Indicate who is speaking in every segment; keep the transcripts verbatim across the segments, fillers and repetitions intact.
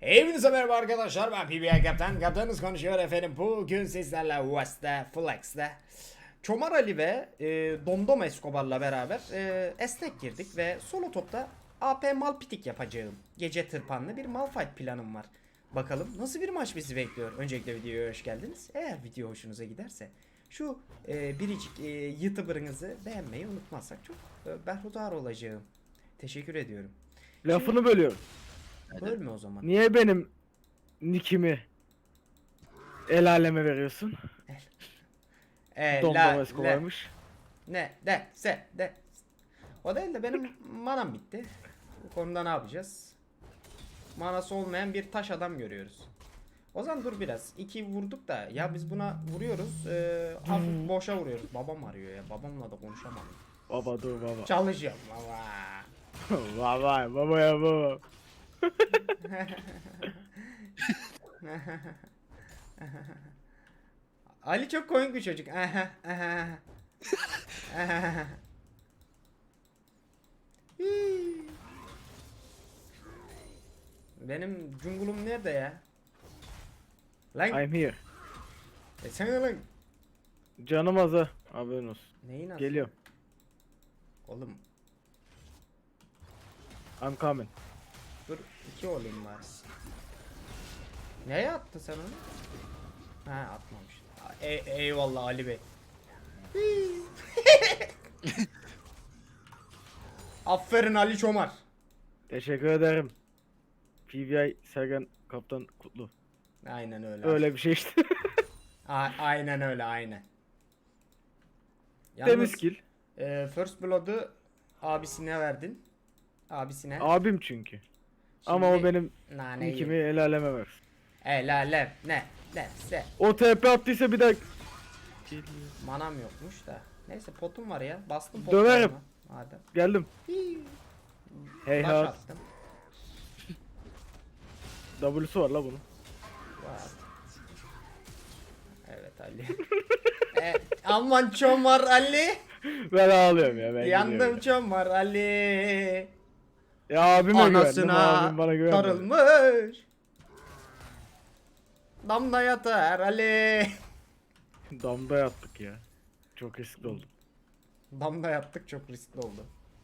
Speaker 1: Hepinize merhaba arkadaşlar, ben P B I Kaptan. Kaptanınız konuşuyor efendim. Bugün sizlerle West'te, Flex'te Çomar Ali ve e, Domdom Escobar'la beraber e, esnek girdik ve solo topta A P Malpitik yapacağım. Gece tırpanlı bir Malphite planım var. Bakalım nasıl bir maç bizi bekliyor. Öncelikle videoya hoş geldiniz. Eğer video hoşunuza giderse şu e, biricik e, YouTuber'ınızı beğenmeyi unutmazsak çok e, berhudar olacağım. Teşekkür ediyorum.
Speaker 2: Lafını bölüyorum.
Speaker 1: Bölme o zaman.
Speaker 2: Niye benim nickimi el aleme veriyorsun?
Speaker 1: E,
Speaker 2: Domdom
Speaker 1: la,
Speaker 2: Escobar'mış.
Speaker 1: Ne de se de. O değil de benim manam bitti. Bu konuda ne yapacağız? Manası olmayan bir taş adam görüyoruz. O zaman dur biraz. İki vurduk da ya biz buna vuruyoruz. E, hafif boşa vuruyoruz. Babam arıyor ya. Babamla da konuşamam.
Speaker 2: Baba dur baba.
Speaker 1: Çalışıyorum baba.
Speaker 2: Baba baba ya baba.
Speaker 1: Ali çok komik bir çocuk. Benim cungulum nerede ya? Lan
Speaker 2: I'm here.
Speaker 1: e sen lan.
Speaker 2: Canım az ha. Haberin olsun.
Speaker 1: Neyin adı?
Speaker 2: Geliyorum.
Speaker 1: Oğlum
Speaker 2: I'm coming.
Speaker 1: dur iki olayım bari. Neye attın sen onu? Ha atmamış. E eyvallah Ali Bey. Aferin Ali Çomar.
Speaker 2: Teşekkür ederim. P B I Sergen Kaptan Kutlu.
Speaker 1: Aynen öyle.
Speaker 2: Öyle bir şey işte.
Speaker 1: A- aynen öyle aynen.
Speaker 2: Temiz kill.
Speaker 1: e, First Blood'u abisine verdin. Abisine.
Speaker 2: Abim çünkü. Ama o
Speaker 1: Şimdi
Speaker 2: benim
Speaker 1: naneyi.
Speaker 2: nickimi el aleme ver.
Speaker 1: E la le ne ne se.
Speaker 2: O T P attıysa bir daha
Speaker 1: Manam yokmuş da. Neyse potum var ya. Bastım potum.
Speaker 2: Döverim.
Speaker 1: Madem.
Speaker 2: geldim.
Speaker 1: Hii.
Speaker 2: Hey
Speaker 1: Baş
Speaker 2: ha.
Speaker 1: attım.
Speaker 2: W'su var la bunun.
Speaker 1: Var. Evet Ali. e, aman Çomar Ali.
Speaker 2: Ben ağlıyorum ya ben
Speaker 1: Yandım
Speaker 2: gidiyorum.
Speaker 1: Çomar Ali.
Speaker 2: Ya abime güvendim.
Speaker 1: Anasına
Speaker 2: Abim bana güvenmedi.
Speaker 1: darılmış. Damda yatar Ali.
Speaker 2: Damda yattık ya. Çok riskli oldu.
Speaker 1: Damda yattık, çok riskli oldu.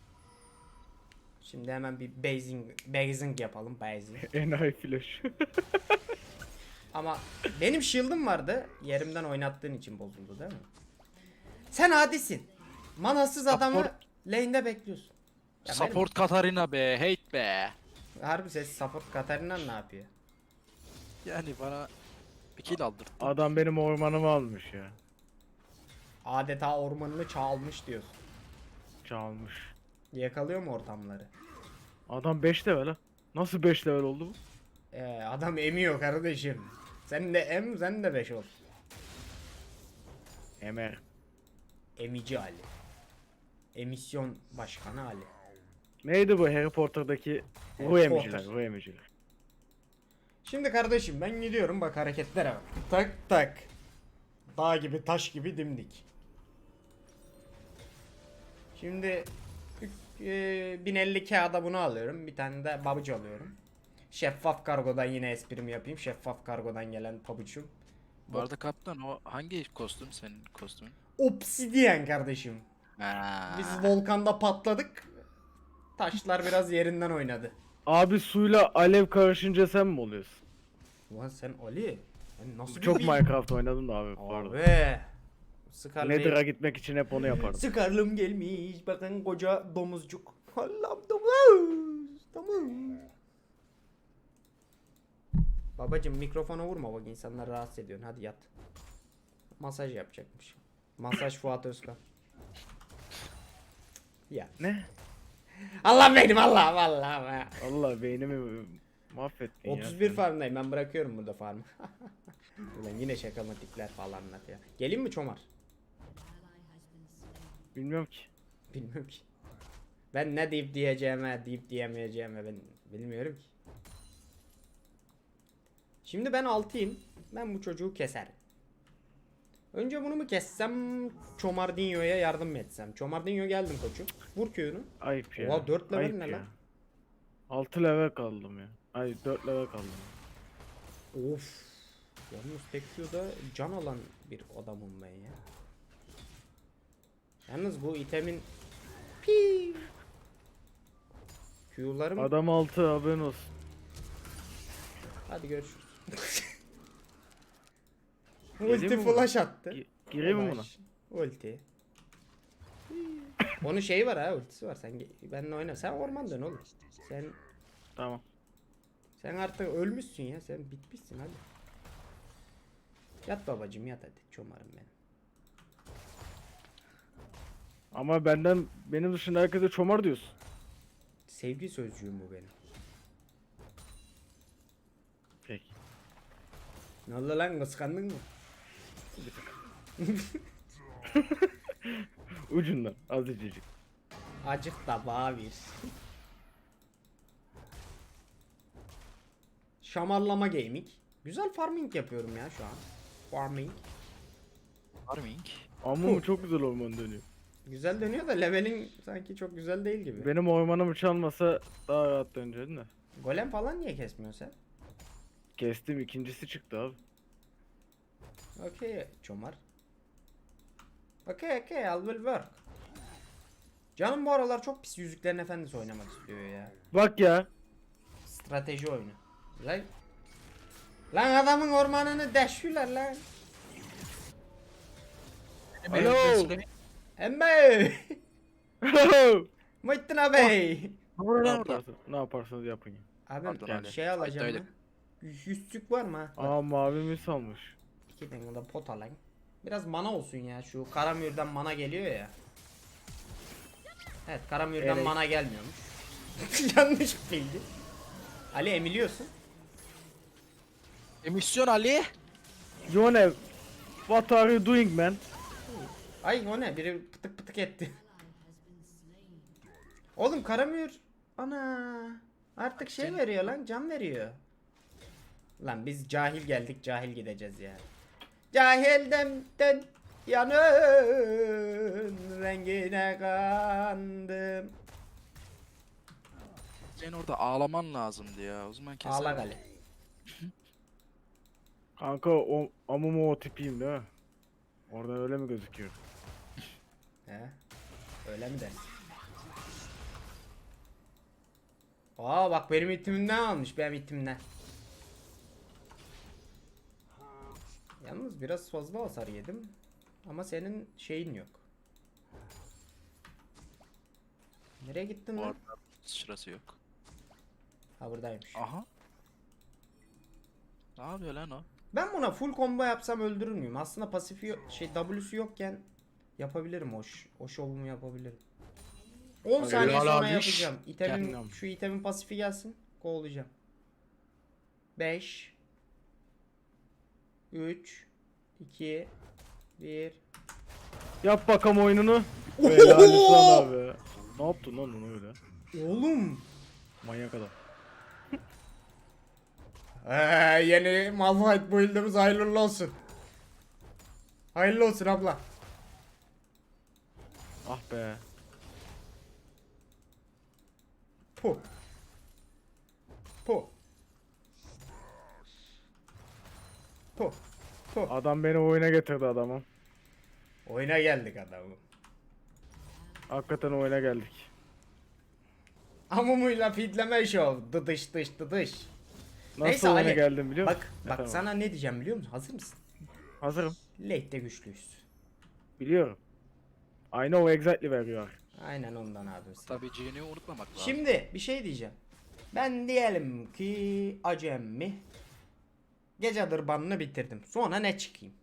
Speaker 1: Şimdi hemen bir basing, basing yapalım, basing.
Speaker 2: Enayi flash.
Speaker 1: Ama benim shield'ım vardı. Yerimden oynattığın için bozuldu değil mi? Sen adisin. Manasız adamı
Speaker 3: Support-
Speaker 1: lane'de bekliyorsun. Ya
Speaker 3: Support Katarina be, hate be.
Speaker 1: benim- harbi ses support Katarina ne yapıyor?
Speaker 3: Yani bana bir kill aldırdı.
Speaker 2: Adam benim ormanımı almış ya.
Speaker 1: Adeta ormanını çalmış diyorsun.
Speaker 2: Çalmış.
Speaker 1: Yakalıyor mu ortamları?
Speaker 2: Adam beş level ha. Nasıl beş level oldu bu?
Speaker 1: Ee, adam emiyor kardeşim. Sen de em, sen de beş ol.
Speaker 2: Emer.
Speaker 1: Emici Ali. Emisyon başkanı Ali.
Speaker 2: Neydi bu Harry Potter'daki
Speaker 1: Harry
Speaker 2: ruh emiciler,
Speaker 1: Potter.
Speaker 2: ruh emiciler.
Speaker 1: Şimdi kardeşim ben gidiyorum, bak hareketlere bak. Tak tak. Dağ gibi taş gibi dimdik. Şimdi e, bin elli kağıda bunu alıyorum. Bir tane de babucu alıyorum. Şeffaf kargodan yine esprimi yapayım. Şeffaf kargodan gelen pabucum.
Speaker 3: Bu arada kaptan o hangi kostüm senin kostümün?
Speaker 1: Obsidiyen kardeşim.
Speaker 3: Ha.
Speaker 1: Biz volkanda patladık. Taşlar biraz yerinden oynadı.
Speaker 2: Abi suyla alev karışınca sen mi oluyorsun?
Speaker 1: Ulan sen Ali. Sen nasıl
Speaker 2: Çok
Speaker 1: bir
Speaker 2: Minecraft oynadım da abi. Pardon.
Speaker 1: Abi. Sıkarlı.
Speaker 2: Nether'a gitmek için hep onu yapardım.
Speaker 1: Sıkarlım gelmiş. Bakın koca domuzcuk. Allah'ım domuz. Domuz. Babacım mikrofona vurma, bak insanları rahatsız ediyorsun. Hadi yat. Masaj yapacakmış. Masaj Fuat Özkan. Ya.
Speaker 2: Ne?
Speaker 1: Allah benim Allah Allah.
Speaker 2: Allah beynimi mahvettin ya.
Speaker 1: otuz bir
Speaker 2: sen.
Speaker 1: farmdayım, ben bırakıyorum burada farmı. Ulan yine şakamatikler falan anlat ya. Geleyim mi Çomar?
Speaker 2: Bilmiyorum ki.
Speaker 1: Bilmiyorum ki. Ben ne deyip diyeceğime, deyip diyemeyeceğime ben bilmiyorum ki. Şimdi ben altıyım. Ben bu çocuğu keserim. Önce bunu mu kessem, Çomardinho'ya yardım mı etsem? Çomardinho geldim koçum. Vur Q'nu.
Speaker 2: Ayıp ya.
Speaker 1: Oha, dört level
Speaker 2: Ayıp
Speaker 1: ne
Speaker 2: ya.
Speaker 1: lan?
Speaker 2: altı level kaldım ya. Ay dört level kaldı.
Speaker 1: Of. Yalnız tek Q'da can alan bir adamım ben ya. Yalnız bu itemin pi Q'larım
Speaker 2: Adam altı haberin olsun.
Speaker 1: hadi görüşürüz.
Speaker 2: Geleyim
Speaker 1: Ulti
Speaker 2: mi buna?
Speaker 1: flash attı.
Speaker 2: Gi- gireyim mi buna?
Speaker 1: Flash, Ulti. Onun şeyi var ha, ultisi var. Sen ge- benimle oyna. Sen orman dön oğlum. Sen
Speaker 2: Tamam.
Speaker 1: sen artık ölmüşsün ya. Sen bitmişsin hadi. Yat babacım yat hadi. Çomarım ben.
Speaker 2: Ama benden benim dışında herkese çomar diyorsun.
Speaker 1: Sevgi sözcüğüm bu benim.
Speaker 2: Peki.
Speaker 1: Ne oldu lan, kıskandın mı?
Speaker 2: Ucundan azıcık.
Speaker 1: Acık da bana bir. Şamarlama gaming. Güzel farming yapıyorum ya şu an. Farming.
Speaker 3: Farming.
Speaker 2: Ama çok güzel orman dönüyor.
Speaker 1: Güzel dönüyor da levelin sanki çok güzel değil gibi.
Speaker 2: Benim ormanımı çalmasa daha rahat dönecektin de.
Speaker 1: Golem falan niye kesmiyorsun sen?
Speaker 2: Kestim, ikincisi çıktı abi.
Speaker 1: Okay çomar. Okay okay I will work. Canım bu aralar çok pis Yüzüklerin Efendisi oynamak istiyor ya.
Speaker 2: Bak ya.
Speaker 1: Strateji oyunu. Lan, lan adamın ormanını deşiyorlar lan.
Speaker 2: Alo.
Speaker 1: Emme. Muhittin abi.
Speaker 2: Ne
Speaker 3: orada.
Speaker 2: yaparsınız, ne yaparsanız yapın ya.
Speaker 1: Abi
Speaker 3: Pardon
Speaker 1: yani
Speaker 3: Ali.
Speaker 1: şey alacağım
Speaker 3: Haydaydık.
Speaker 1: mı? Yüzsük var mı? ha?
Speaker 2: Aa mavimi salmış.
Speaker 1: İki tane de pot alayım. Biraz mana olsun ya, şu Karamür'den mana geliyor ya. Evet, Karamür'den
Speaker 2: Evet.
Speaker 1: mana gelmiyormuş. Yanlış bildi. Ali emiliyorsun.
Speaker 3: Emisyon Ali.
Speaker 2: Yone, what are you doing man?
Speaker 1: Ay o ne, biri pıtık pıtık etti. Oğlum Karamür ana artık şey
Speaker 3: Senin-
Speaker 1: veriyor lan, can veriyor. Lan biz cahil geldik, cahil gideceğiz ya. Cahilden den yanın rengine kandım.
Speaker 3: Senin orada ağlaman lazımdı ya. O zaman keser.
Speaker 1: Ağla Ali.
Speaker 2: Kanka o amumu o tipiyim değil mi? Orada öyle mi gözüküyor?
Speaker 1: He? Öyle mi dersin? Aa bak benim itimimden almış, benim itimden. Yalnız biraz fazla hasar yedim. Ama senin şeyin yok. Nereye gittin
Speaker 3: Bu
Speaker 1: lan?
Speaker 3: arada sırası yok.
Speaker 1: Ha buradaymış.
Speaker 3: Aha. Ne yapıyor lan o?
Speaker 1: Ben buna full combo yapsam öldürür müyüm? Aslında pasifi yo- şey W'su yokken yapabilirim o, ş- o şovumu yapabilirim. on
Speaker 2: Hadi
Speaker 1: saniye
Speaker 3: helal
Speaker 1: sonra
Speaker 3: abi.
Speaker 1: yapacağım. İtemin,
Speaker 2: Kendim.
Speaker 1: şu itemin pasifi gelsin. Kovalayacağım. beş üç iki bir
Speaker 2: Yap bakalım oyununu. Helal sana be. Ne yaptın lan onu öyle?
Speaker 1: Oğlum.
Speaker 2: Manyak adam.
Speaker 1: Ee, yeni Malphite build'imiz hayırlı olsun. Hayırlı olsun abla.
Speaker 2: Ah be.
Speaker 1: Puh. Puh. Puh. Puh.
Speaker 2: Adam beni oyuna getirdi adamım.
Speaker 1: Oyuna geldik adamım.
Speaker 2: Hakikaten oyuna geldik.
Speaker 1: Amumuyla feedleme show. Dıdış dış dıdış.
Speaker 2: Nasıl
Speaker 1: Neyse
Speaker 2: oyuna
Speaker 1: Ali,
Speaker 2: geldim biliyor musun?
Speaker 1: Bak bak
Speaker 2: Efendim?
Speaker 1: sana ne diyeceğim biliyor musun? Hazır mısın?
Speaker 2: Hazırım.
Speaker 1: Late'de güçlüyüz.
Speaker 2: Biliyorum. I know exactly where you are.
Speaker 1: Aynen ondan abi.
Speaker 3: Tabii C'ni unutmamak lazım.
Speaker 1: Şimdi bir şey diyeceğim. Ben diyelim ki acemi gece dırbanını bitirdim. Sonra ne çıkayım?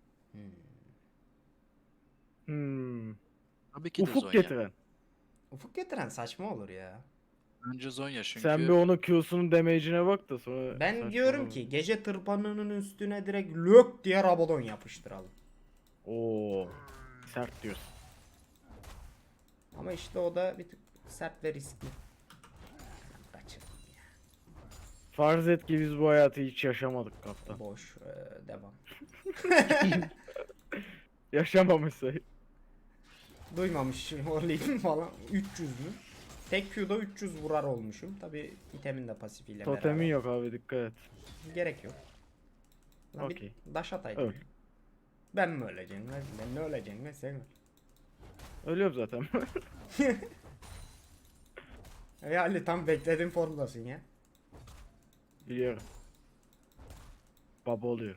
Speaker 2: Hmm.
Speaker 3: Tabii ki de
Speaker 2: Ufuk
Speaker 3: Zonya.
Speaker 2: getiren.
Speaker 1: Ufuk getiren saçma olur ya.
Speaker 3: Önce Zonya çünkü.
Speaker 2: Sen bir onun Q'sunun damage'ine bak da sonra...
Speaker 1: Ben
Speaker 2: saçmalama.
Speaker 1: diyorum ki gece tırpanının üstüne direkt lök diye Rabadon yapıştıralım.
Speaker 2: Oo. Sert diyorsun.
Speaker 1: Ama işte o da bir tık sert ve riskli. Kaçırdım ya.
Speaker 2: Farz et ki biz bu hayatı hiç yaşamadık kaptan.
Speaker 1: Boş. Ee, devam.
Speaker 2: Yaşamamışsa.
Speaker 1: Duymamış olayım falan. üç yüz mü? Tek Q'da üç yüz vurar olmuşum. Tabi itemin de pasifiyle
Speaker 2: Totemin
Speaker 1: beraber.
Speaker 2: yok abi, dikkat et.
Speaker 1: Gerek yok. Lan bir
Speaker 2: Okey.
Speaker 1: daş ataydım.
Speaker 2: Öl.
Speaker 1: Ben mi öleceğim lan? Ben ne öleceğim lan sen öl.
Speaker 2: Ölüyorum zaten.
Speaker 1: Ey Ali tam beklediğim formdasın ya.
Speaker 2: Biliyorum. Baba oluyor.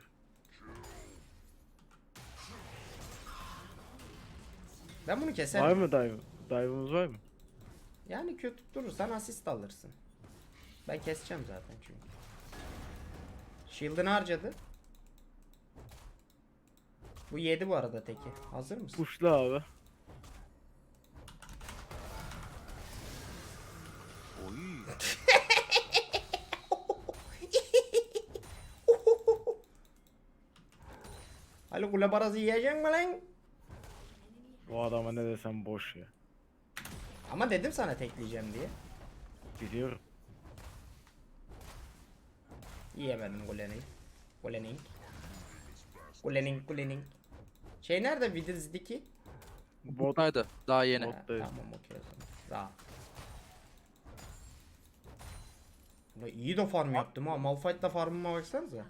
Speaker 1: Ben bunu keserim.
Speaker 2: Var mı dive? Dive'ımız var mı?
Speaker 1: Yani kötü durursan asist alırsın. Ben keseceğim zaten çünkü. Shield'ını harcadı. Bu yedi bu arada teki. Hazır mısın?
Speaker 2: Kuşlu abi.
Speaker 3: Oy.
Speaker 1: Ali kule parası yiyecek mi lan?
Speaker 2: Bu adama ne desem boş ya.
Speaker 1: Ama dedim sana tekleyeceğim diye.
Speaker 2: Biliyorum.
Speaker 1: Yiyemedim kulenin. Kulenin. Kulenin kulenin. Şey nerede Withers'deki?
Speaker 2: Bot
Speaker 3: Bottaydı. Daha yeni.
Speaker 2: Bot.
Speaker 1: Ha,
Speaker 2: Bottayız.
Speaker 1: tamam okey o zaman. Rahat. Ulan iyi de farm yaptım ha. Malphite'da farmıma baksanıza.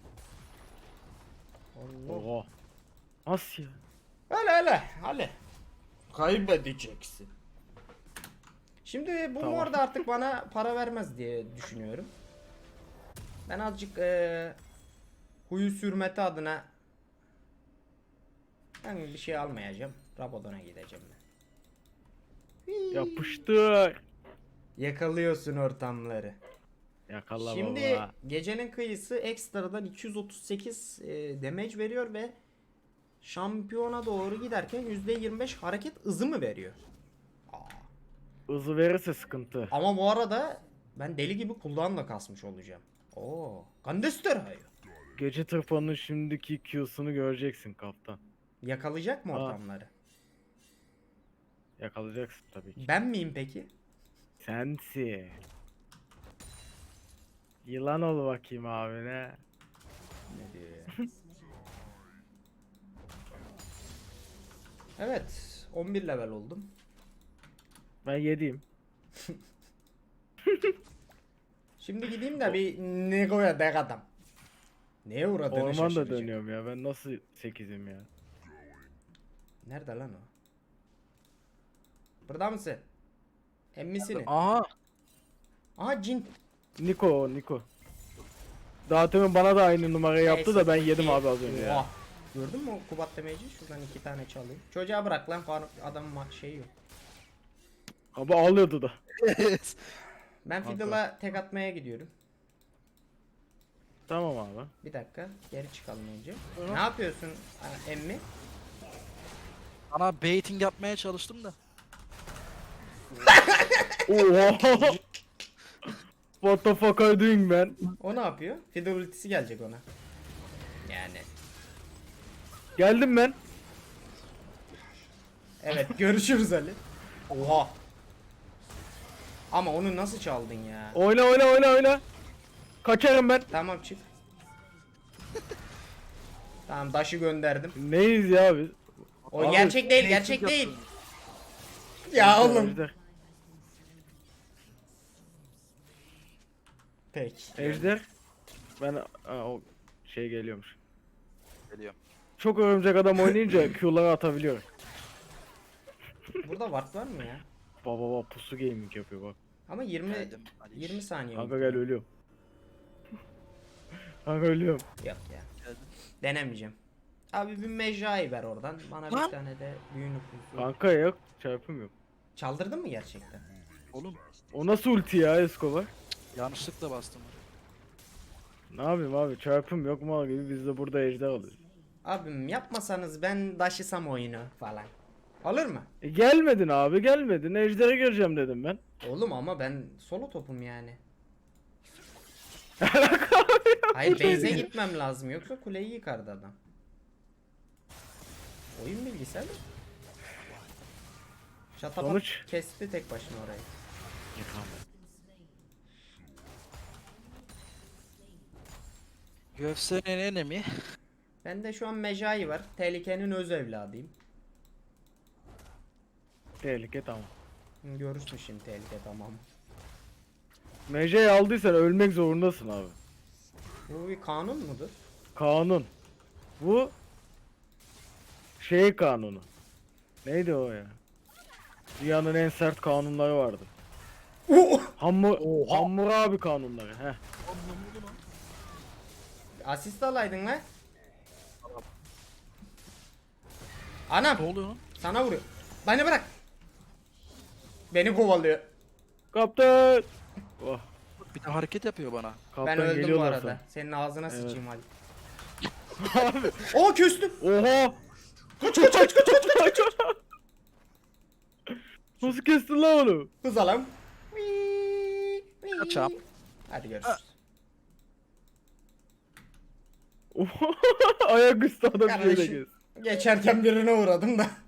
Speaker 1: Allah.
Speaker 2: Oha. Nasıl ya?
Speaker 1: Öyle öyle. Hadi. Kaybedeceksin. Şimdi bu
Speaker 2: Tamam.
Speaker 1: bu arada artık bana para vermez diye düşünüyorum. Ben azıcık eee huyu sürmeti adına ben bir şey almayacağım. Rabadon'a gideceğim ben.
Speaker 2: Yapıştır.
Speaker 1: Yakalıyorsun ortamları.
Speaker 2: Yakala
Speaker 1: Şimdi
Speaker 2: baba.
Speaker 1: gecenin kıyısı ekstradan iki yüz otuz sekiz e, damage veriyor ve şampiyona doğru giderken yüzde yirmi beş hareket hızı mı veriyor? Aa.
Speaker 2: Hızı verirse sıkıntı.
Speaker 1: Ama bu arada ben deli gibi cooldown'la kasmış olacağım. Oo, Gandester hayır.
Speaker 2: Gece tırpanının şimdiki Q'sunu göreceksin kaptan.
Speaker 1: Yakalayacak mı
Speaker 2: Aa.
Speaker 1: ortamları?
Speaker 2: Yakalayacaksın tabii ki.
Speaker 1: Ben miyim peki?
Speaker 2: Sensin. Yılan ol bakayım abine.
Speaker 1: Ne diyor ya? Evet, on bir level oldum.
Speaker 2: Ben yediyim.
Speaker 1: Şimdi gideyim de bir Nego'ya dek adam. Neye uğradığını
Speaker 2: Orman da
Speaker 1: şaşıracak.
Speaker 2: dönüyorum ya. Ben nasıl sekizim ya?
Speaker 1: Nerede lan o? Burada mısın? Emmisini.
Speaker 3: Aha.
Speaker 1: Aha cin.
Speaker 2: Niko o Niko. Daha temin bana da aynı numarayı yaptı da ben yedim abi az önce ya.
Speaker 1: Oha. Gördün mü o Kubat demeyici? Şuradan iki tane çalayım. Çocuğa bırak lan farm adamın ma- şeyi yok.
Speaker 2: Abi ağlıyordu da.
Speaker 1: Ben
Speaker 2: Kanka.
Speaker 1: Fiddle'a tek atmaya gidiyorum.
Speaker 2: Tamam abi.
Speaker 1: Bir dakika geri çıkalım önce. Ne yapıyorsun ha, emmi?
Speaker 3: Ana baiting yapmaya çalıştım da.
Speaker 2: Oha. What the fuck are you doing man?
Speaker 1: O ne yapıyor? Fiddle ultisi gelecek ona. Yani.
Speaker 2: Geldim ben.
Speaker 1: Evet görüşürüz Ali. Oha. Ama onu nasıl çaldın ya?
Speaker 2: Oyna oyna oyna oyna. Kaçarım ben.
Speaker 1: Tamam çık. Tamam daşı gönderdim.
Speaker 2: Neyiz ya biz?
Speaker 1: O
Speaker 2: Abi,
Speaker 1: gerçek değil, gerçek değil. Ya oğlum.
Speaker 2: Ejder.
Speaker 1: Peki.
Speaker 2: Ejder. Ben ha, o şey geliyormuş.
Speaker 3: Geliyorum.
Speaker 2: Çok örümcek adam oynayınca Q'ları atabiliyor.
Speaker 1: Burada ward var mı ya?
Speaker 2: Baba baba pusu gaming yapıyor bak.
Speaker 1: Ama yirmi
Speaker 3: Geldim. Ali.
Speaker 1: yirmi saniye.
Speaker 2: Kanka gel ölüyorum. Kanka ölüyorum.
Speaker 1: Yok ya.
Speaker 3: Geldim.
Speaker 1: Denemeyeceğim. Abi bir mecai ver oradan. Bana
Speaker 3: Lan.
Speaker 1: bir tane de büyü nüfusu.
Speaker 2: Kanka yok çarpım yok.
Speaker 1: Çaldırdın mı gerçekten?
Speaker 3: Oğlum
Speaker 2: O nasıl ulti ya Escobar?
Speaker 3: yanlışlıkla bastım.
Speaker 2: Ne yapayım abi çarpım yok mal gibi biz de burada ejder alıyoruz.
Speaker 1: Abim yapmasanız ben daşısam oyunu falan. Olur mu?
Speaker 2: E gelmedin abi gelmedin ejdere gireceğim dedim ben.
Speaker 1: Oğlum ama ben solo topum yani. Hayır base'e gitmem lazım yoksa kuleyi yıkardı adam. Oyun bilgisi abi. Şatapat
Speaker 2: Sonuç?
Speaker 1: kesti tek başına orayı.
Speaker 3: U F C'nin enemi.
Speaker 1: Bende şu an Mejai var. Tehlikenin öz evladıyım.
Speaker 2: Tehlike tamam.
Speaker 1: Hı, görürsün şimdi tehlike, tamam.
Speaker 2: Mece'yi aldıysan ölmek zorundasın abi.
Speaker 1: Bu bir kanun mudur?
Speaker 2: Kanun. Bu şey kanunu. Neydi o ya? Dünyanın en sert kanunları vardı. Hammur Hammurabi kanunları. Heh.
Speaker 1: Asist alaydın lan. Anam
Speaker 3: Ne oluyor lan?
Speaker 1: sana vuruyor. Beni bırak. Beni kovalıyor.
Speaker 2: Kaptan. Oh,
Speaker 3: Bir de hareket yapıyor bana.
Speaker 2: kaptan
Speaker 1: Ben öldüm bu
Speaker 2: geliyorlar
Speaker 1: arada.
Speaker 2: sana.
Speaker 1: Senin ağzına
Speaker 2: Evet.
Speaker 1: sıçayım hadi.
Speaker 2: Abi.
Speaker 1: Oo küstüm.
Speaker 2: Oha. Kaç kaç kaç kaç kaç kaç. Nasıl kestin lan onu?
Speaker 1: Hız alalım.
Speaker 3: Kaçam.
Speaker 1: Hadi görüşürüz.
Speaker 2: Ayak üstü adam şöyle
Speaker 1: Kardeşim.
Speaker 2: kes.
Speaker 1: Geçerken birine uğradım da.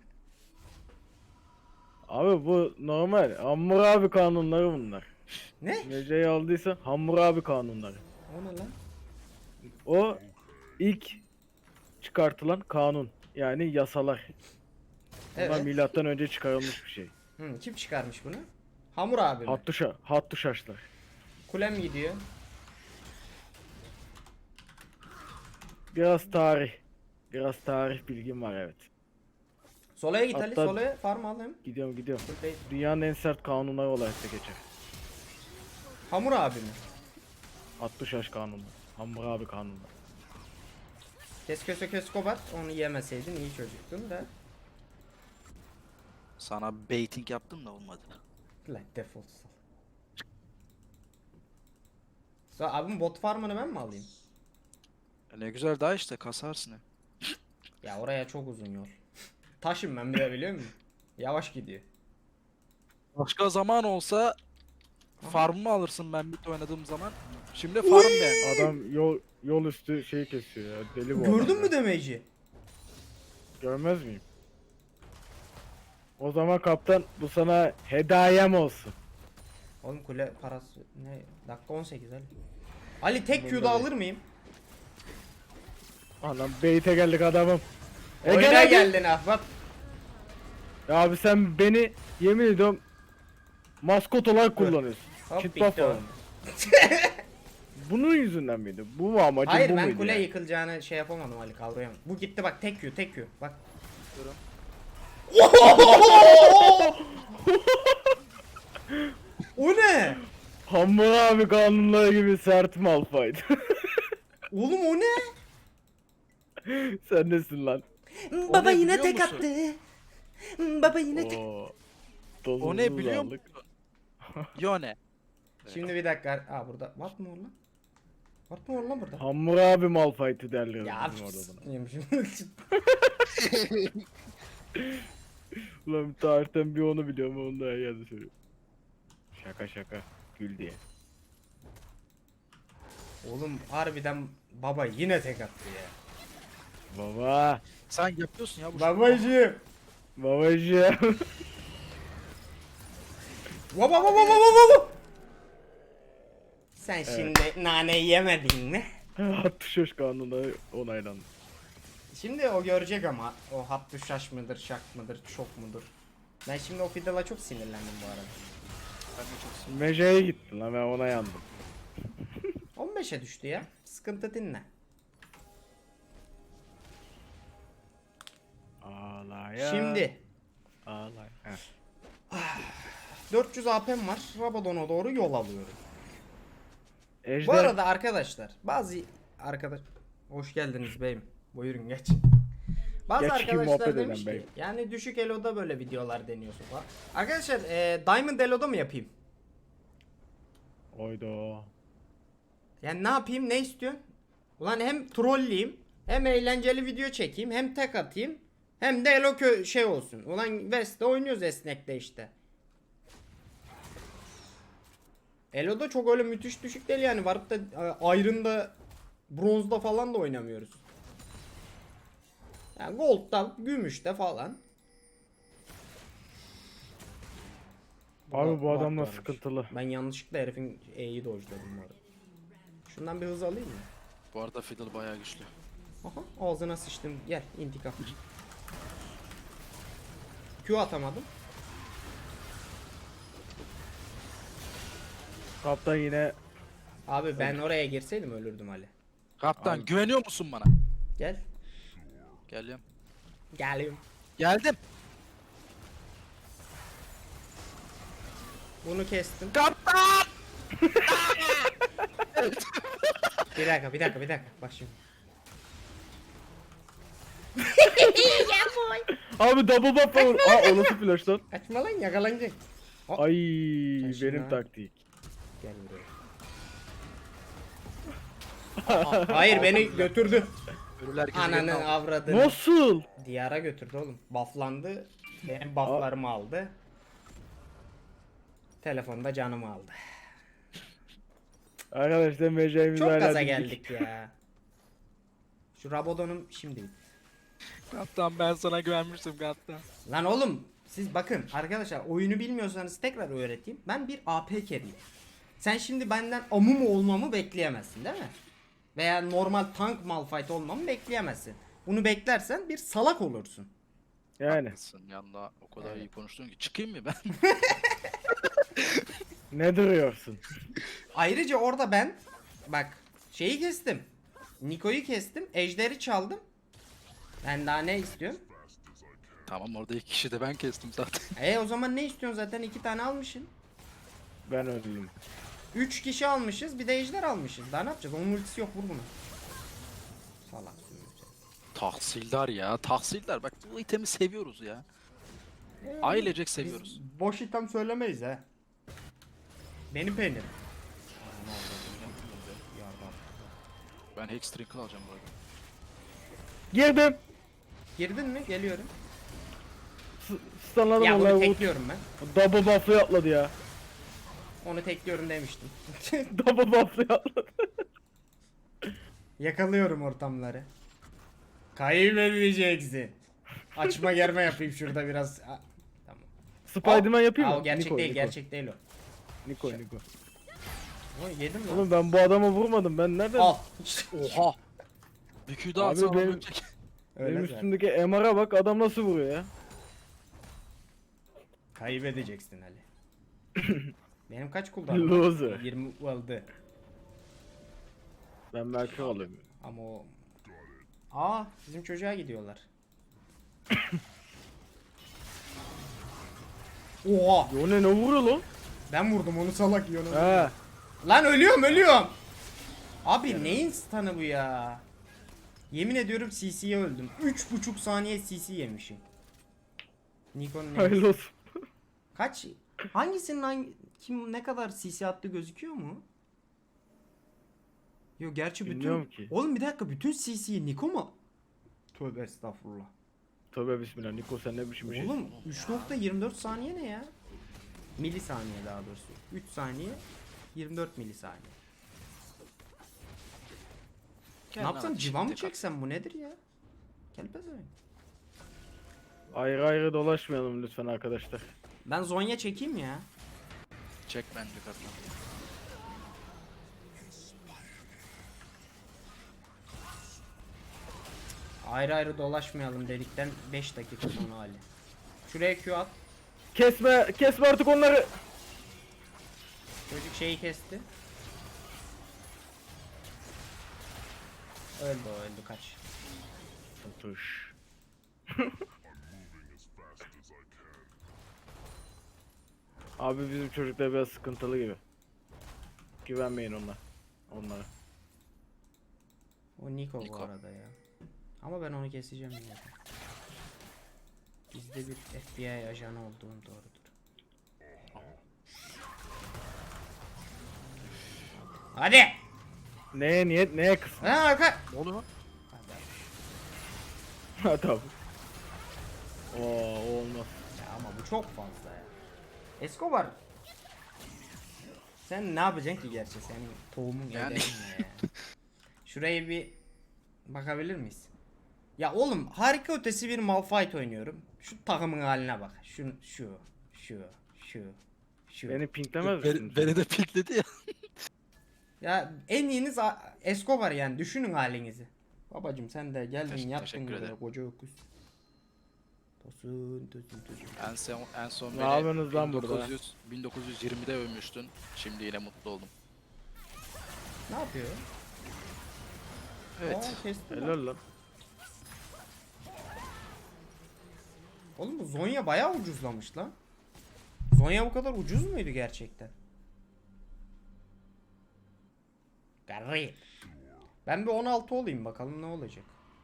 Speaker 2: Abi bu normal. Hammurabi kanunları bunlar.
Speaker 1: Ne?
Speaker 2: Mece'yi aldıysa Hammurabi kanunları.
Speaker 1: O ne lan?
Speaker 2: O ilk çıkartılan kanun. Yani yasalar. Bunlar
Speaker 1: Evet.
Speaker 2: milattan önce çıkarılmış bir şey.
Speaker 1: Hı, kim çıkarmış bunu? Hamur abi mi?
Speaker 2: Hattuşa, hattuşaşlar.
Speaker 1: Kulem gidiyor.
Speaker 2: Biraz tarih. Biraz tarih bilgim var, evet.
Speaker 1: Solaya git Ali.
Speaker 2: Hatta-
Speaker 1: Solaya farm al hem.
Speaker 2: Gidiyorum gidiyorum.
Speaker 1: Buradayız.
Speaker 2: Dünyanın en sert kanunları olarak da geçer.
Speaker 1: Hamur abi mi?
Speaker 2: Hattuşaş kanunu. Hammurabi kanunu.
Speaker 1: Kes köse kes kobat. Onu yemeseydin iyi çocuktun da.
Speaker 3: Sana baiting yaptım da olmadı.
Speaker 1: Lan defol sal. Sonra abim bot farmını ben mi alayım?
Speaker 3: E ne güzel daha işte kasarsın hep.
Speaker 1: Ya oraya çok uzun yol. Taşım ben bir de biliyor musun? Yavaş gidiyor.
Speaker 3: Başka zaman olsa farmımı alırsın ben bit oynadığım zaman. Şimdi farm ben.
Speaker 2: Adam yol yol üstü şey kesiyor ya. Deli bu adam
Speaker 1: Gördün
Speaker 2: ya.
Speaker 1: mü demeci?
Speaker 2: Görmez miyim? O zaman kaptan bu sana hediyem olsun.
Speaker 1: Oğlum kule parası ne? Dakika on sekiz Ali. Ali tek
Speaker 2: Bunda
Speaker 1: Q'da
Speaker 2: değil.
Speaker 1: alır mıyım?
Speaker 2: Anam beyte geldik adamım. E
Speaker 1: Oyuna
Speaker 2: gel hadi.
Speaker 1: geldin ahbap.
Speaker 2: Ya abi sen beni yemin ediyorum maskot olarak kullanıyorsun.
Speaker 1: Hop,
Speaker 2: Kit
Speaker 1: bitti
Speaker 2: buff
Speaker 1: o.
Speaker 2: falan. Bunun yüzünden miydi? Bu mu amacın,
Speaker 1: Hayır
Speaker 2: bu
Speaker 1: ben
Speaker 2: muydu
Speaker 1: kule
Speaker 2: yani?
Speaker 1: yıkılacağını şey yapamadım Ali, kavrayamadım. Bu gitti bak, tek Q tek Q bak.
Speaker 3: Diyorum.
Speaker 1: O ne?
Speaker 2: Hammurabi kanunları gibi sert Malphite.
Speaker 1: Oğlum o ne?
Speaker 2: Sen nesin lan?
Speaker 1: Baba
Speaker 3: ne
Speaker 1: yine
Speaker 3: biliyor
Speaker 1: tek
Speaker 3: musun?
Speaker 1: attı. Baba yine tek.
Speaker 2: Oo.
Speaker 3: O ne
Speaker 2: Tozumuzu
Speaker 3: biliyor
Speaker 2: aldık.
Speaker 3: musun? Yone.
Speaker 1: Şimdi bir dakika. Aa burada. What mı var lan? What mı var lan burada?
Speaker 2: Hammurabi Malphite derler
Speaker 1: Ya
Speaker 2: bizim orada buna.
Speaker 1: yemişim.
Speaker 2: Ulan tarihten bir onu biliyorum, onu da her yerde söylüyorum. Şaka şaka. Gül diye.
Speaker 1: Oğlum harbiden baba yine tek attı ya.
Speaker 2: Baba.
Speaker 3: Sen yapıyorsun ya bu
Speaker 1: Babacığım.
Speaker 2: Babacığım.
Speaker 1: Baba baba baba baba. Sen şimdi nane yemedin mi?
Speaker 2: Hattuşaş kanunu onaylandı.
Speaker 1: Şimdi o görecek ama o hattı şaş mıdır, şak mıdır, şok mudur? Ben şimdi o Fiddle'a çok sinirlendim bu arada.
Speaker 3: Ben de çok seviyorum.
Speaker 2: Mece'ye gittin lan, ben ona yandım.
Speaker 1: on beşe düştü ya. Sıkıntı dinle.
Speaker 2: Ağlaya.
Speaker 1: Şimdi
Speaker 2: Ağlay. Heh.
Speaker 1: dört yüz A P'm var. Rabadon'a doğru yol alıyorum.
Speaker 2: Ejder.
Speaker 1: Bu arada arkadaşlar bazı arkadaş hoş geldiniz beyim. Buyurun geç. Bazı
Speaker 2: Geç ki
Speaker 1: arkadaşlar
Speaker 2: muhabbet
Speaker 1: demiş
Speaker 2: eden
Speaker 1: ki
Speaker 2: bey.
Speaker 1: yani düşük elo'da böyle videolar deniyorsun falan. Arkadaşlar e, Diamond elo'da mı yapayım?
Speaker 2: Oydo.
Speaker 1: Yani ne yapayım, ne istiyorsun? Ulan hem trolleyeyim, hem eğlenceli video çekeyim, hem tek atayım, hem de elo kö şey olsun. Ulan West'te oynuyoruz esnekte işte. Elo'da çok öyle müthiş düşük değil yani, varıp da e, Iron'da, Bronze'da falan da oynamıyoruz. Yani Gold'da, Gümüş'te falan.
Speaker 2: Abi bu
Speaker 1: Bak
Speaker 2: adamlar
Speaker 1: varmış.
Speaker 2: sıkıntılı.
Speaker 1: Ben yanlışlıkla herifin E'yi dojladım bu arada. Şundan bir hız alayım mı?
Speaker 3: Bu arada Fiddle bayağı güçlü.
Speaker 1: Aha ağzına sıçtım. Gel intikam. Q atamadım.
Speaker 2: Kaptan yine
Speaker 1: Abi ben oraya girseydim ölürdüm Ali.
Speaker 3: Kaptan
Speaker 2: Abi.
Speaker 3: güveniyor musun bana?
Speaker 1: Gel.
Speaker 3: Geliyorum.
Speaker 1: Geliyorum.
Speaker 3: Geldim.
Speaker 1: Bunu kestim.
Speaker 3: Kaptan!
Speaker 1: Bir dakika bir dakika bir dakika. Bak şimdi.
Speaker 2: abi double buff var. Aa o nasıl flash lan?
Speaker 1: Kaçma lan yakalanacak.
Speaker 2: Ay
Speaker 1: Kaçın
Speaker 2: benim
Speaker 1: lan.
Speaker 2: taktik.
Speaker 1: Gel buraya. Hayır beni götürdü.
Speaker 3: Ölüler gezegenine
Speaker 1: Ananı
Speaker 3: aldı.
Speaker 1: avradını.
Speaker 2: Nasıl?
Speaker 1: Diyara götürdü oğlum. Bufflandı. Benim bufflarımı aldı. Telefonda canımı aldı.
Speaker 2: Arkadaşlar mecayimiz
Speaker 1: Çok
Speaker 2: hala
Speaker 1: gaza
Speaker 2: dimdik.
Speaker 1: geldik ya. Şu Rabadon'um şimdi bitti.
Speaker 3: Kaptan ben sana güvenmiştim kaptan.
Speaker 1: Lan oğlum siz bakın arkadaşlar oyunu bilmiyorsanız tekrar öğreteyim. Ben bir A P carry'im. Sen şimdi benden amumu olmamı bekleyemezsin değil mi? Veya normal tank malfight olmamı bekleyemezsin. Bunu beklersen bir salak olursun.
Speaker 2: Yani
Speaker 3: Haklısın yanında o kadar iyi konuştun ki. Çıkayım mı ben?
Speaker 2: ne duruyorsun?
Speaker 1: Ayrıca orada ben bak şeyi kestim. Niko'yu kestim. Ejder'i çaldım. Ben daha ne istiyorum?
Speaker 3: Tamam orada iki kişi de ben kestim zaten.
Speaker 1: E o zaman ne istiyorsun zaten iki tane almışsın.
Speaker 2: Ben öldüm.
Speaker 1: Üç kişi almışız bir de ejder almışız. Daha ne yapacağız? Onun ultisi yok vur bunu. Salak.
Speaker 3: Tahsildar ya. Tahsildar. Bak bu itemi seviyoruz ya. Ailecek seviyoruz.
Speaker 1: Biz boş item söylemeyiz ha. Benim peynirim.
Speaker 3: Ben Hex Trinkle alacağım bu arada.
Speaker 2: Girdim.
Speaker 1: Girdin mi? Geliyorum.
Speaker 2: Stunladım
Speaker 1: Ya
Speaker 2: vallahi
Speaker 1: bunu
Speaker 2: bu
Speaker 1: tekliyorum ben.
Speaker 2: double buff'lı atladı ya.
Speaker 1: Onu tekliyorum demiştim.
Speaker 2: Double buff'lı atladı.
Speaker 1: Yakalıyorum ortamları. Kaybedeceksin. Açma germe yapayım şurada biraz. A- Tamam.
Speaker 2: Spiderman yapayım
Speaker 1: Aa,
Speaker 2: mı?
Speaker 1: o gerçek
Speaker 2: Niko,
Speaker 1: değil,
Speaker 2: Niko.
Speaker 1: gerçek değil o.
Speaker 2: Niko Niko.
Speaker 1: O yedim lan.
Speaker 2: Oğlum ben bu adama vurmadım. Ben nereden?
Speaker 1: Al.
Speaker 3: Oha! Bir Q daha
Speaker 2: Abi
Speaker 3: atsam
Speaker 2: benim-
Speaker 3: ölecek.
Speaker 1: Öyle
Speaker 2: Benim
Speaker 1: zaten.
Speaker 2: üstümdeki M R'a bak adam nasıl vuruyor ya.
Speaker 1: Kaybedeceksin Ali. Benim kaç cooldown'um?
Speaker 2: Loser.
Speaker 1: yirmi oldu.
Speaker 2: Ben belki alayım.
Speaker 1: Ama o... Aa bizim çocuğa gidiyorlar. Oha!
Speaker 2: Yo ne ne vuruyor lan?
Speaker 1: Ben vurdum onu salak yiyor.
Speaker 2: He.
Speaker 1: Lan ölüyorum ölüyorum. Abi neyin stun'ı bu ya? Yemin ediyorum C C'ye öldüm. üç buçuk saniye C C yemişim. Nikon'un neymiş?
Speaker 2: Hayırlı olsun.
Speaker 1: Kaç? Hangisinin hangi kim ne kadar C C attı gözüküyor mu? Yo gerçi bütün
Speaker 2: Bilmiyorum ki.
Speaker 1: Oğlum bir dakika bütün C C'yi Niko mu? Tövbe estağfurullah.
Speaker 2: Tövbe bismillah Niko sen ne biçim bir şey.
Speaker 1: Oğlum üç nokta yirmi dört saniye ne ya? Milisaniye daha doğrusu. üç saniye yirmi dört milisaniye.
Speaker 3: Gel
Speaker 1: Ne
Speaker 3: lan
Speaker 1: yapsam
Speaker 3: hadi
Speaker 1: civa mı
Speaker 3: şimdi kalk.
Speaker 1: çeksem bu nedir ya? Gel pezevenk.
Speaker 2: Ayrı ayrı dolaşmayalım lütfen arkadaşlar.
Speaker 1: Ben Zonya çekeyim ya.
Speaker 3: Çek bence kaptan.
Speaker 1: Ayrı ayrı dolaşmayalım dedikten beş dakika sonra Ali. Şuraya Q at.
Speaker 2: Kesme kesme artık onları.
Speaker 1: Çocuk şeyi kesti. Öldü o öldü kaç.
Speaker 2: Tuş. Abi bizim çocuklar biraz sıkıntılı gibi. Güvenmeyin ona. Onlara.
Speaker 1: O Niko, bu
Speaker 3: Niko.
Speaker 1: arada ya. Ama ben onu keseceğim yine. Bizde bir F B I ajanı olduğum doğrudur. Hadi.
Speaker 2: Neye niyet neye kısmı?
Speaker 1: Ha arka.
Speaker 3: Ne oluyor?
Speaker 2: Ha tabi. Oo o olmaz.
Speaker 1: Ya ama bu çok fazla ya. Escobar. Sen ne yapacaksın ki gerçi senin tohumun
Speaker 3: Yani.
Speaker 1: ederin ne ya. Şuraya bir bakabilir miyiz? Ya oğlum harika ötesi bir Malphite oynuyorum. Şu takımın haline bak. Şu şu şu şu şu.
Speaker 2: Beni pinklemez misin?
Speaker 3: Beni, beni de pikledi ya.
Speaker 1: Ya en iyiniz A- Escobar yani düşünün halinizi. Babacım sen de geldin
Speaker 3: Teşekkür-
Speaker 1: yaptın
Speaker 3: teşekkür
Speaker 1: böyle
Speaker 3: ederim.
Speaker 1: koca öküz. Tosun tosun tosun.
Speaker 3: En son, en son
Speaker 2: Ne
Speaker 3: beni
Speaker 2: yapıyorsunuz lan burada?
Speaker 3: bin dokuz yüz, bin dokuz yüz yirmide övmüştün. Şimdi yine mutlu oldum.
Speaker 1: Ne yapıyor?
Speaker 3: Evet.
Speaker 1: Aa, kesti lan.
Speaker 2: Helal lan.
Speaker 1: Oğlum bu Zonya bayağı ucuzlamış lan. Zonya bu kadar ucuz muydu gerçekten? Garip. Ben bir on altı olayım bakalım ne olacak.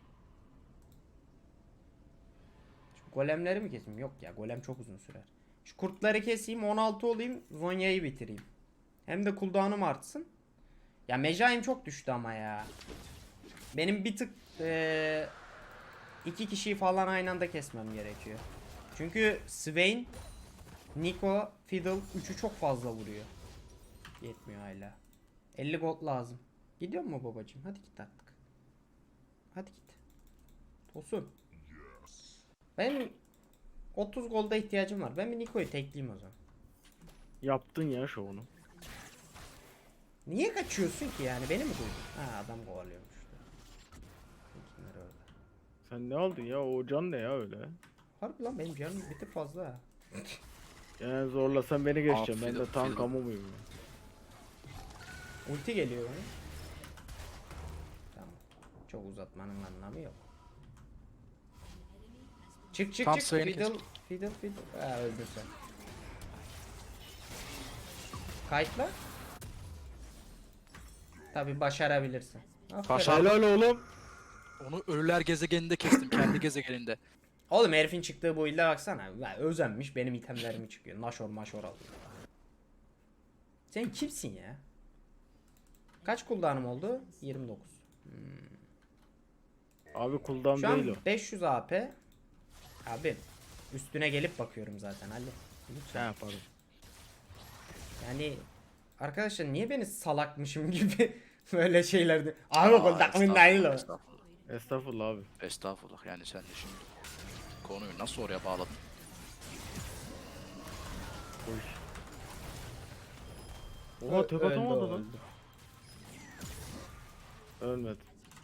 Speaker 1: Şu golemleri mi keseyim? Yok ya, golem çok uzun sürer. Şu kurtları keseyim, on altı olayım, Zonya'yı bitireyim. Hem de cooldown'um artsın. Ya Mejai'm çok düştü ama ya. Benim bir tık eee iki kişiyi falan aynı anda kesmem gerekiyor. Çünkü Swain, Nico, Fiddle üçü çok fazla vuruyor. Yetmiyor hala. elli gold lazım. Gidiyor mu babacığım? Hadi git artık. Hadi git. Tosun. Benim otuz golda ihtiyacım var. Ben bir Nico'yu tekleyeyim o zaman.
Speaker 2: Yaptın ya şovunu.
Speaker 1: Niye kaçıyorsun ki yani? Beni mi duydun? Ha, adam kovalıyormuş. Kimler orada?
Speaker 2: Sen ne aldın ya? O can ne ya öyle?
Speaker 1: Harbi lan, benim canım bir tık fazla ha.
Speaker 2: Yani zorlasan beni geçeceğim. Ben de
Speaker 3: Aferin,
Speaker 2: tank
Speaker 3: aferin.
Speaker 2: kamu muyum ya?
Speaker 1: Ulti geliyor bana. Tamam. Çok uzatmanın anlamı yok. Çık çık
Speaker 3: Tam
Speaker 1: çık.
Speaker 3: Swain'i
Speaker 1: Fiddle,
Speaker 3: kes.
Speaker 1: fiddle, fiddle. Ha, öldün sen. Kayıtla. Tabi başarabilirsin. Aferin.
Speaker 3: Başar-
Speaker 2: Helal oğlum.
Speaker 3: Onu ölüler gezegeninde kestim. Kendi gezegeninde.
Speaker 1: Oğlum herifin çıktığı bu ilde baksana. Ya, özenmiş, benim itemlerimi çıkıyor. Naşor maşor alıyor. Sen kimsin ya? Kaç cooldown'um oldu? yirmi dokuz.
Speaker 2: Abi cooldown
Speaker 1: Şu
Speaker 2: değil o.
Speaker 1: an beş yüz A P. Abi üstüne gelip bakıyorum zaten Ali.
Speaker 2: Ne
Speaker 1: Lütfen.
Speaker 2: yaparım?
Speaker 1: Yani arkadaşlar niye beni salakmışım gibi böyle şeylerde. Abi
Speaker 3: Aa,
Speaker 1: cooldown'um değil o.
Speaker 3: estağfurullah,
Speaker 2: Estağfurullah abi.
Speaker 3: estağfurullah. Yani sen de şimdi konuyu nasıl oraya bağladın?
Speaker 2: Oy. Oha tek
Speaker 1: Öldü,
Speaker 2: atamadı lan.
Speaker 1: öldü.
Speaker 2: Ölmedi.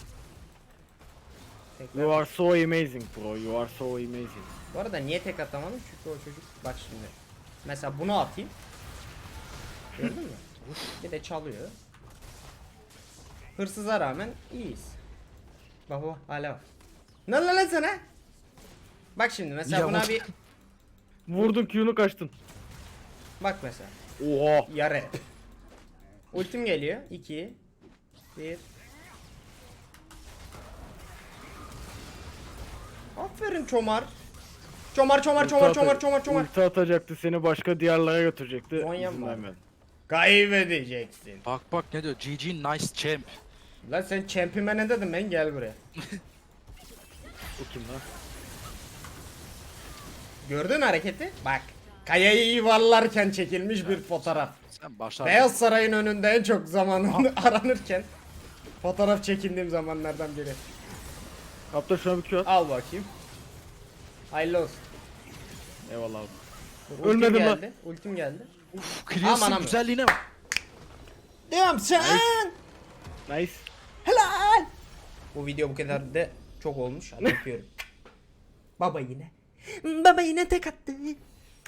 Speaker 1: Tekrar-
Speaker 2: You are so amazing bro. You are so amazing.
Speaker 1: Bu arada niye tek atamadım? Çünkü o çocuk bak şimdi. Mesela bunu atayım. Gördün mü? Bir de çalıyor. Hırsıza rağmen iyiyiz. Bak bak hala var. Ne lan lan sana? Bak şimdi mesela
Speaker 3: Ya
Speaker 1: buna
Speaker 3: bak-
Speaker 1: bir
Speaker 2: Vurdun Q'nu kaçtın.
Speaker 1: bak mesela.
Speaker 2: Oha.
Speaker 1: Yarı. Ultim geliyor. iki bir. Aferin çomar. Çomar çomar çomar
Speaker 2: Ulti
Speaker 1: çomar
Speaker 2: ata-
Speaker 1: çomar çomar.
Speaker 2: Ulti atacaktı seni başka diyarlara götürecekti.
Speaker 1: Zonya
Speaker 2: İzin
Speaker 1: mı var?
Speaker 2: vermedi.
Speaker 1: Kaybedeceksin.
Speaker 3: Bak bak ne diyor? G G nice champ.
Speaker 1: Lan sen champime ne dedim ben, gel buraya.
Speaker 2: O kim lan?
Speaker 1: Gördün hareketi? Bak. Kayayı yuvarlarken çekilmiş bir fotoğraf.
Speaker 3: Sen başlar.
Speaker 1: Beyaz Saray'ın önünde en çok zamanında aranırken fotoğraf çekindiğim zamanlardan biri.
Speaker 2: Kapta şuna bir Q at.
Speaker 1: Al bakayım. Hayırlı olsun.
Speaker 2: Eyvallah abi.
Speaker 1: Dur, ultim
Speaker 2: Ölmedim lan.
Speaker 1: geldi. Ultim geldi.
Speaker 3: Uf,
Speaker 1: Aman
Speaker 3: Cleans'ın
Speaker 1: aman.
Speaker 3: güzelliğine bak.
Speaker 1: Devam sen.
Speaker 2: Nice.
Speaker 1: Helal. Bu video bu kadar da çok olmuş. Hadi öpüyorum. Baba yine. Baba yine tek attı.